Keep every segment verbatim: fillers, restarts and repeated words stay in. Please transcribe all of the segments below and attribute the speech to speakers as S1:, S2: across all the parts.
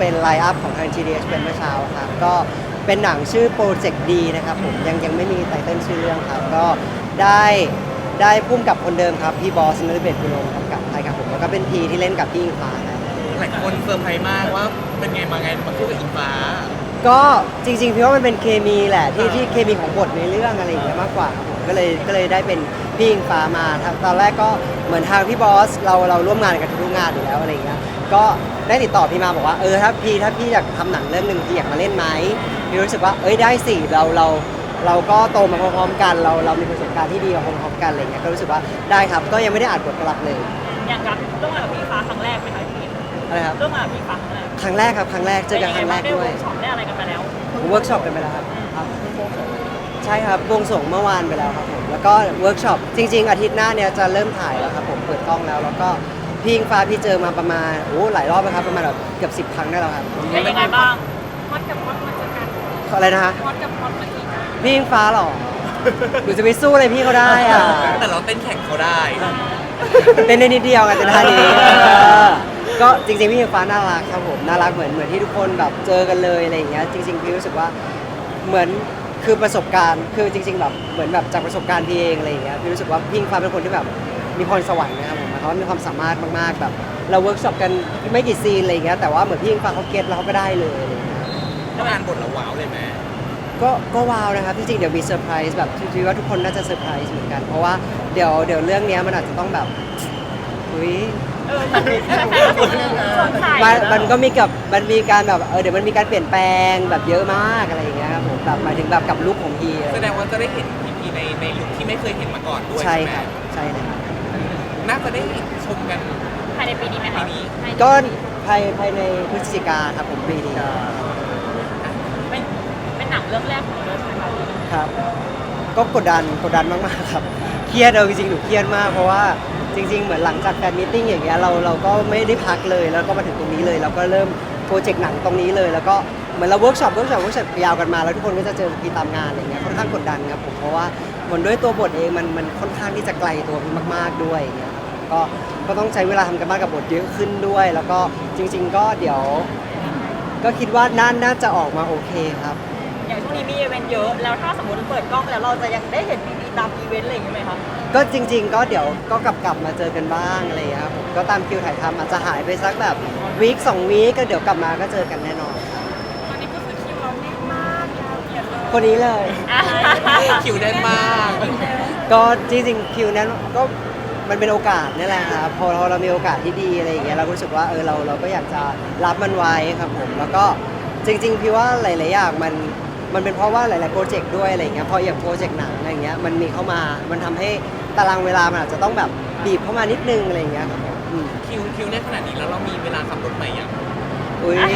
S1: เป็นไลน์อัพของทาง จี ดี เอช เป็นเมื่อเช้าครับก็เป็นหนังชื่อโปรเจกต์ดีนะครับผมยังยังไม่มีไตเติ้ลชื่อเรื่องครับก็ได้ได้พุ่มกับคนเดิมครับพี่บอสนฤเบศกุลงกำกับใช่ครับผมแล้วก็เป็นพีที่เล่นกับพี่อิงฟ้าครับ
S2: หลายคนเซอร์ไพรส์มากว่าเป็นไงมาไงมาคู่กับอิงฟ้า
S1: ก็จริงๆพี่ว่ามันเป็นเคมีแหละที่ที่เคมีของบทในเรื่องอะไรอย่างเงี้ยมากกว่าครับผมก็เลยก็เลยได้เป็นพี่อิงฟ้ามาตอนแรกก็เหมือนทางพี่บอสเราเราร่วมงานกันทุกงานอยู่แล้วอะไรอย่างเงี้ยก็ได้ติดต่อพี่มาบอกว่าเออถ้าพี่ถ้าพี่อยากทำหนังเรื่องหนึ่งพี่อยากมาเล่นไหมพี่รู้สึกว่าเอ้ยได้สิเราเราเราก็โตมาพร้อมๆกันเราเรามีประสบการณ์ที่ดีมาพร้อมๆกันอะไรเงี้ยก็รู้สึกว่าได้ครับก็ยังไม่ได้อ่านบทกลับเลย
S3: อย่างกับร่วมงานกับพี่ฟ้าครั้งแรกไหมคะพี่
S1: อะไรครับ
S3: ร่วมงานกับพี่ฟ้าครั้งแรก
S1: ครั้งแรกครับครั้งแรกเจอกันครั้งแรกด้วย
S3: ได้เวิร์กช็อปได้อะไรกันไปแล้ว
S1: เวิร์กช็อปกันไปแล้วครับครับใช่ครับวงส่งเมื่อวานไปแล้วครับผมแล้วก็เวิร์กช็อปจริงๆอาทิตย์หน้าเนี่ยจะเริ่มถ่ายแล้วครับผมเปิดกล้องแล้วแล้วก็พี่อิงฟ้าพี่เจอมาประมาณโอ้หลายรอบแล้วครับประมาณแบบเกือบสิบครั้งได้แล้วครับ
S3: เป็นยังไงบ้างฮอตกับฮอตมาเจอกัน
S1: อะไรนะฮะ
S3: ฮอตกับฮอตมาเจอกัน
S1: พี่อิงฟ้าหรอหนูจะไปสู้อะไรพี่เขาได้อ่ะ
S2: แต่เราเต้นแข่งเขาได้
S1: เต้นได้นิดเดียวกันแต่ท่านี้เออก็จริงๆพี่อิงฟ้าน่ารักครับผมน่ารักเหมือนเหมือนที่ทุกคนแบบเจอกันเลยอะไรอย่างเงี้ยจริงๆพี่รู้สึกว่าเหมือนคือประสบการณ์คือจริง ๆแบบเหมือนแบบจากประสบการณ์พี่เองอะไรอย่างเงี้ยพี่รู้สึกว่าพี่อิงฟ้าเป็นคนที่แบบมีพรสวรรค์นะครับผมเขามีความสามารถมากๆแบบเราเวิร์กช็อปกันไม่กี่ซีนอะไรอย่างเงี้ยแต่ว่าเหมือนพี่อิงฟ้าเขาเก็ตแล้วเขาก็ได้เลยอะไรอย่างเงี้ย
S2: ถ้าอ่านบทแล้วว้าวเลยไหม
S1: ก็ก็ว้าวนะครับจริงๆเดี๋ยวมีเซอร์ไพรส์แบบคิดว่าทุกคนน่าจะเซอร์ไพรส์เหมือนกันเพราะว่าเดี๋ยวเดี๋ยวเรื่องเนี้ยมันอาจจะต้องแบบอุ้ย
S3: เออมันแฟนๆก็สงสัย
S1: มันมันก็มีกับมันมีการแบบเออเดี๋ยวมันมีการเปลี่ยนแปลงแบบเยอะมากอะไรอย่างเงี้ยครับผมแบบหมายถึงแบบกับลุคของพีอะไร
S2: แสดงว่าจะได้เห็นพีพีในในลุคที่ไม่เคยเห็นมาก่อนด้วย
S1: ใช่
S2: ใช่ไหม
S1: ครับใช่เลยครับ
S2: น่าจะได้ชมกัน
S3: ภายในปีนี้ไหม
S2: ปี
S3: คะ
S2: นี้
S1: ก็ภายภายในพฤศจิกาครับผมปีนี้
S3: เป็นเป็นหนังเรื่องแรกของเราเลยใช่ไหมคะ
S1: ครับก็กดดันกดดันมากๆครับเครียดเอาจริงๆหนูเครียดมากเพราะว่าจริง ๆเหมือนหลังจากแฟนมีตติ้งอย่างเงี้ยเราเราก็ไม่ได้พักเลยแล้วก็มาถึงตรงนี้เลยเราก็เริ่มโปรเจกต์หนังตรงนี้เลยแล้วก็เหมือนเราเวิร์กช็อปเวิร์กช็อปเวิร์กช็อปยาวกันมาแล้วทุกคนก็จะเจอพี่ตามงานอะไรเงี้ยค่อนข้างกดดันครับผมเพราะว่าเหมือนด้วยตัวบทเองมันมันค่อนข้างที่จะไกลตัวพี่มาก ๆด้วยอย่างเงี้ยครับก็ก็ต้องใช้เวลาทำกันบ้านกับบทเยอะขึ้นด้วย แล้วก็จริง ๆ ก็เดี๋ยว ก็คิดว่าน่าน่าจะออกมาโอเคครับ
S3: อย่างช่วงนี้มีอีเวนต์เยอะแล้วถ้าสมมติเปิดกล้องแล้วเราจะยังได้เห็นพีพีตามอีเวนต์อะไรอย่างเงี้ยไหมคะ
S1: ก็จริง ๆ ก็เดี๋ยวก็กลับกลับมาเจอกันบ้างอะไรอย่างเงี้ยครับผมก็ตามคิวถ่ายทำอาจจะหายไปสักแบบวีคสองวีคก็เดี๋ยวกลับมาก็เจอกันแน่นอนครับ
S3: ตอนนี้ก็คือคิวเราแน่นมากยาวเหยียดเลย
S1: คนนี้เลย
S2: คิวแน่นมาก
S1: ก็จริงๆคิวนั้นก็มันเป็นโอกาสนี่แหละครับพอเราเรามีโอกาสที่ดีอะไรอย่างเงี้ยเรารู้สึกว่าเออเราเราก็อยากจะรับมันไว้ครับผมแล้วก็จริงๆพี่ว่าหลายๆอย่างมันมันเป็นเพราะว่าหลายๆโปรเจกต์ด้วยอะไรอย่างเงี้ยพออย่างโปรเจกต์หนังอะไรอย่างเงี้ยมันมีเข้ามามันทำให้ตารางเวลามันอาจจะต้องแบบบีบเข้ามานิดนึงอะไรอย่างเงี้ยครับผมอืม
S2: คิวคิวแน่นขนาดนี้แล้วเรามีเวลาขับรถใหม่ยัง
S1: อุ้ย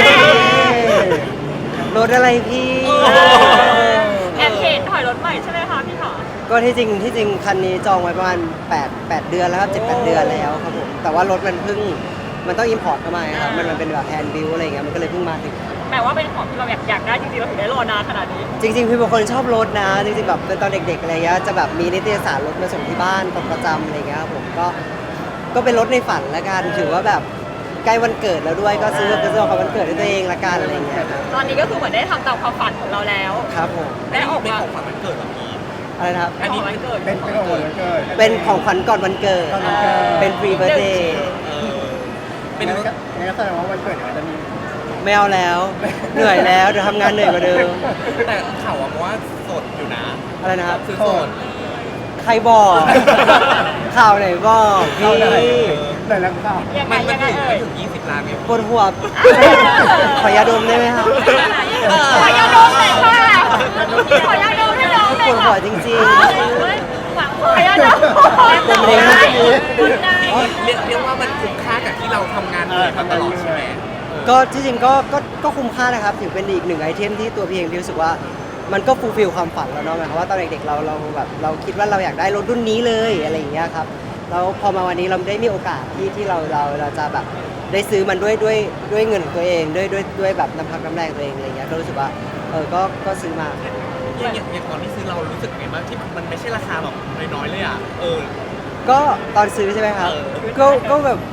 S1: รถอะไรพี่
S3: แอบเห็นถอยรถใหม่ใช่ไหมคะพี่ขา
S1: ก็ที่จริงที่จริงคันนี้จองไว้ประมาณแปด แปดเดือนแล้วครับเจ็ด แปดเดือนแล้วครับผมแต่ว่ารถมันเพิ่งมันต้องอิมพอร์ตเข้ามาครับมันมันเป็นแบบแฮนด์บิลอะไรเงี้ยมันก็เลยเพิ่งมาถึง
S3: แปลว่าเป็นของที่เราอยากอยากได้จริงๆเราถึงได้รอนานขนาดนี้
S1: จริงๆพี่เป็นคนชอบรถนะจริงๆแบบตอนเด็กๆอะไรเงี้ยจะแบบมีนิตยสารรถมาส่งที่บ้านเป็นประจำอะไรเงี้ยครับผมก็ก็เป็นรถในฝันละกันถือว่าแบบใกล้วันเกิดแล้วด้วยก็ซื้อเป็นซื้อของวันเกิดให้ตัวเองละกันอะไรเงี้ยครับ
S3: ตอนนี้ก็คือเหมือนได้ทำตามความฝันของเราแล้ว
S1: ครับผม
S3: ได้ออก
S2: เป็น
S3: มา
S2: ของขวัญวันเกิดเหรอพี่
S1: อะไรนะครับ
S3: อันนี้วันเกิด
S4: เป็นเป็นของวันเกิด
S1: เป็นของขวัญก่อนวันเกิด
S4: ก่อนวันเกิด
S1: เป็นฟรีเบ r ร์ d เดย์
S2: เออเป็น
S4: งั้นก็งั้นก็แสดงว่าวันเกิดเดี๋ยวมันจะมี
S1: ไม่เอาแล้ว เหนื่อยแล้วเดี๋ยวทำงานเหนื่อยกว่าเดิม
S2: แต่ข่าวว่าสดอยู่นะ
S1: อะไรนะครับ
S2: คือสด
S1: ใครบอก ข่าวไหนบอกพี่
S4: เข้าได้แต่ละข่าว
S3: ยังไง
S2: มันมัน
S3: ยังไง
S2: ถึง
S3: เอ่
S2: มัน
S3: ย
S2: ถึงยี่สิบล้านเนี่ย
S1: ปวดหัว ขอยาดมได้ไหมครับ
S3: ขอยาดมเลยค่ะขอยาดมให้น้องเล
S1: ป
S3: ยว
S1: ด
S3: ค่ะ
S1: หัวจริง
S3: หวังขอยาดม
S1: เป็นเพลงนะ
S3: คุณได้
S2: เรียกเรียกว่ามันคุ้มค่ากับที่เราทำงานเหนื่อยมาตลอดใช่ไหม
S1: ๆ ก็ที่จริงก็ก็ก็คุ้มค่านะครับถือเป็นอีกหนึ่งไอเทมที่ตัวพี่เองพี่รู้สึกว่ามันก็ฟูลฟิลความฝันแล้วเนาะหมายความว่าตอนเด็กๆเราเราแบบเราคิดว่าเราอยากได้รถรุ่นนี้เลยอะไรอย่างเงี้ยครับแล้วพอมาวันนี้เราได้มีโอกาสที่ที่เราเราเราจะแบบได้ซื้อมันด้วยด้วยด้วยเงินของตัวเองด้วยด้วยด้วยแบบน้ำพักน้ำแรงตัวเองอะไรเงี้ยก็รู้สึกว่าเออก็ก็ซื้อมา
S2: อย่างอย่างอย่างตอนที่ซื้อเรารู้สึกไงบ้างที่มันไม่ใช่ราคาแบบน้อยๆเลยอ่ะ เออ
S1: ก็ตอนซื้อใช่ไหมครับ
S2: เออ
S1: ก็ก็แบบค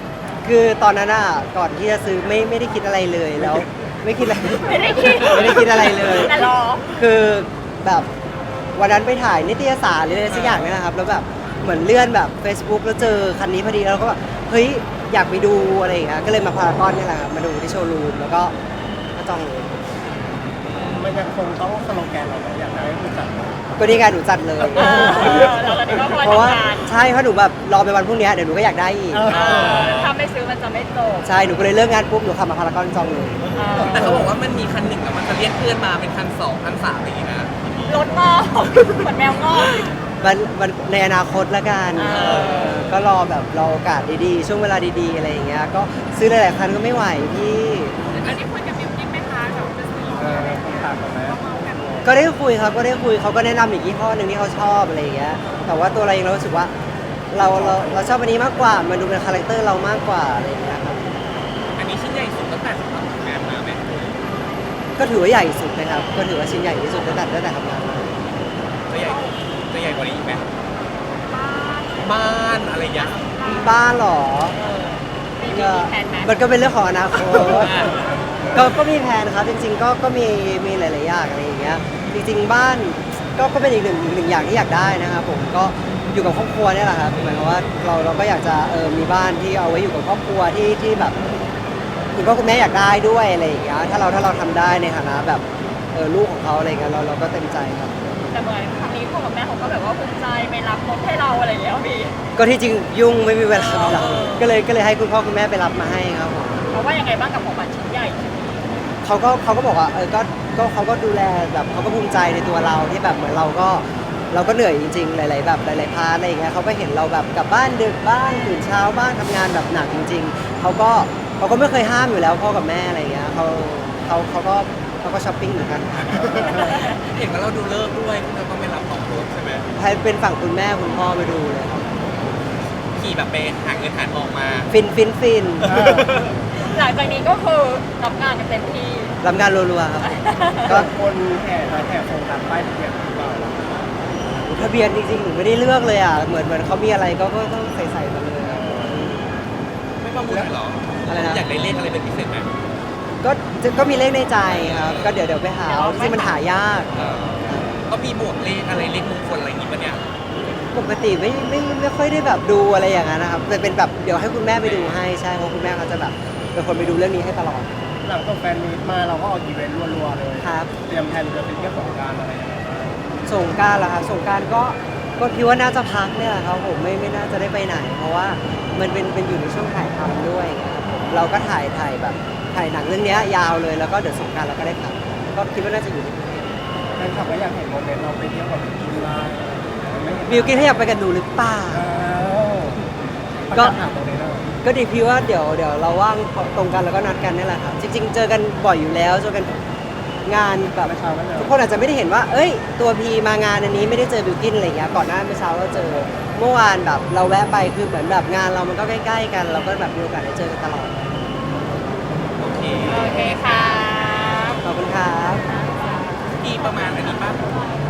S1: คือตอนนั้นอ่ะก่อนที่จะซื้อไม่ไม่ได้คิดอะไรเลยแล้ว ไม่คิดอะไร
S3: ไม่ได้คิด
S1: ไม่ได้คิดอะไรเลย
S3: แต่รอ
S1: คือแบบวันนั้นไปถ่ายนิตยสารหรืออะไรสักอย่างเนี่ยนะครับแล้วแบบเหมือนเลื่อนแบบ Facebook แล้วเจอคันนี้พอดีแล้วก็แบบเฮ้ยอยากไปดูอะไรอย่างเงี้ยก็เลยมาพารากอนนี่แหละครับมาดูที่โชว์รูมแล้วก็ก็จองเลย
S4: มันยังคงต้องสโลแกนเราไหมอยากได้ผู้จัด
S1: ก็นี่ไงหนูจัดเลย
S3: เออเราตอนนี้ก็คอย
S1: เพราะว่า
S3: ทำงาน
S1: ใช่เพราะหนูแบบรอไปวันพรุ่งนี้เดี๋ยวหนูก็อยากได้อีก
S3: เออถ้าไม่ซื้อมันจะไม่จบ
S1: ใช่หนูก็เลยเลิกงานปุ๊บหนูขับมาพารากอนจองเลย
S3: เออ
S2: แต่เขาบอกว่ามันมีคันหนึ่งแล้วมันจะเรียกเพื่อนมาเป็นคันสองคันสามอะไรอย่างเงี้ยนะ
S3: รถงอกเหมือนแมวงอก
S1: มันมันในอนาคตละกัน
S3: เออ
S1: เออก็รอแบบรอโอกาสดีๆ ช่วงเวลาดีๆอะไรอย่างเงี้ยก็ซื้อหลายๆคันก็ไม่ไหวพี่
S3: อันนี้คุยกับบิวกิ้นไหมคะกับจะซื้อ
S4: เออต้องถามกันไหม
S1: ก็ได้คุยครับก็ได้คุยเขาก็แนะนำอีกยี่ห้อหนึ่งที่เขาชอบอะไรอย่างเงี้ยแต่ว่าตัวเราเองเรารู้สึกว่าเราเราเราชอบอันนี้มากกว่ามันดูเป็นคาแรคเตอร์เรามากกว่าอะไรอย่างเงี้ยครับ
S2: อันนี้ชิ้นใหญ่สุดตั้งแต่ทำงานมาไหม
S1: ก็ถือว่าใหญ่สุดนะครับก็ถือว่าชิ้นใหญ่ที่สุดตั้งแต่ตั้งแต่ทำงานมา
S2: จะใหญ่จะใหญ่กว่านี้อีกไหมบ้านอะไรอย่างเงี้ย
S1: บ้านเหรอ
S3: มี
S1: ก็
S3: มีแผนไหม
S1: มันก็เป็นเรื่องของอนาคต
S2: อ่า
S1: ก็ก็มีแผนครับจริงๆก็ก็มีมีหลายๆอย่างอะไรอย่างเงี้ยจริงๆบ้านก็ก็เป็นอีกหนึ่งอีกหนึ่งอย่างที่อยากได้นะครับผมก็อยู่กับครอบครัวเนี่ยแหละครับหมายความว่าเราเราก็อยากจะเออมีบ้านที่เอาไว้อยู่กับครอบครัวที่ที่แบบคุณพ่อคุณแม่อยากได้ด้วยอะไรอย่างเงี้ยถ้าเราถ้าเราทำได้ในฐานะแบบเออลูกของเขาอะไรเงี้ยเราเราก็เต็มใจครับ
S3: แต่เหมือนครั้งนี้พ่อกับแม่เขาก็แบบว่าภูมิใจไปรับรถให้เราอะไรอย่างเงี้ยพี่
S1: ก็ที่จริงยุ่งไม่มีเวลาไปรับ
S3: เออ
S1: ก็เลยก็เลยให้คุณพ่อคุณแม่ไปรับมาให้ครับผม
S3: เขาว่ายังไงบ้างกับของขวัญชิ้นใหญ่
S1: เขาก็เขาก็บอกว่าเออก็ก็เขาก็ดูแลแบบเขาก็ภูมิใจในตัวเราที่แบบเหมือนเราก็เราก็เหนื่อยจริงๆ หลาย ๆ แบบหลายๆพาร์ทอะไรอย่างเงี้ยเขาก็เห็นเราแบบกลับบ้านดึกบ้างตื่นเช้าบ้างทำงานแบบหนักจริง ๆเขาก็เขาก็ไม่เคยห้ามอยู่แล้วพ่อกับแม่อะไรอย่างเงี้ยเขาเขาเขาก็เขาก็ช้อปปิ้งเหมือนกัน
S2: เห็นว่าเราดูเลิกษ์ด้วยที่เราต้องไปรับของรถใช่ไหม
S1: ให้เป็นฝั่งคุณแม่คุณพ่อไปดูเลยครับ
S2: ขี่แบบไปหาเงินหาทองมา
S1: ฟินฟินฟิน
S3: หลังจากนี้ก็คือรับงานกันเต็มที่
S1: รับงานรัวๆครับก็
S4: ก็คนแห่มาแห่โครงการป้ายทะเบียนหรือเปล่า
S1: ทะเบียนจริงๆหนูไม่ได้เลือกเลยอ่ะเหมือนเหมือนเขามีอะไรก็ก็ต้องใส่ใส่มาเลยอะ
S2: ไม่ประมูลเหรอ
S1: อะไรนะ
S2: อยากได้เลขอะไรเป็นพิเศษไหม
S1: ก็ก็มีเลขในใจครับก็เดี๋ยวเดี๋ยวไปหาเอาที่มันหายาก
S2: เออก็มีบวกเลขอะไรเลขมงคลอะไรอย่างงี้ปะเนี่ย
S1: ปกติไม่ไม่ไม่ค่อยได้แบบดูอะไรอย่างนั้นนะครับเป็นเป็นแบบเดี๋ยวให้คุณแม่ไปดูให้ใช่เพราะคุณแม่เขาจะแบบเป็นคนไปดูเรื่องนี้ให้ตลอด
S4: หลังจากแฟนมีตมาเราก็ออกอีเวนต์รัวๆเลย
S1: ครับ
S4: เตรียมแผนจะไปเที่ยวสงกรานต์อะไรอย่างเงี้ย
S1: สงกรารเหรอครับสงกรารก็ก็คิดว่าน่าจะพักเนี่ยแหละครับผมไม่ไม่น่าจะได้ไปไหน เพราะว่ามันเป็นเป็นอยู่ในช่วงถ่ายทำด้วยไงครับผมเราก็ถ่ายถ่ายแบบถ่ายหนังเรื่องเนี้ยยาวเลยแล้วก็เดี๋ยวสงกรารเราก็ได้พักก็คิดว่าน่าจะอยู่ที่
S4: แฟนคลับก็อยากเห็นโมเมนต์เราไปเที่ยวกับกินไลน์ไม่เห็น
S1: บิวกินให้อยากไปกันหนูหรือเปล่า
S4: ก็
S1: ก็
S4: ถามตรงนี้เลย
S1: ก็ดีพี่ว่าเดี๋ยวเดี๋ยวเราว่างตรงกันแล้วก็นัดกันนี่แหละครับจริง ๆ เจอกันบ่อยอยู่แล้วเจอกันงานแบบ
S4: เมื่อเช้าก็เจอ
S1: ทุกคนอาจจะไม่ได้เห็นว่า เอ้ย ตัวพีมางานอันนี้ไม่ได้เจอบิวกินอะไรเงี้ยก่อนหน้าเมื่อเช้าเราเจอเมื่อวานแบบเราแวะไปคือเหมือนแบบงานเรามันก็ใกล้ๆกัน เราก็แบบมีโอกาสได้เจอกันตลอด
S2: โอเค
S3: โอเคค่ะ
S1: ขอบคุณครับ
S2: ที่ประมาณอันนี้ป่ะ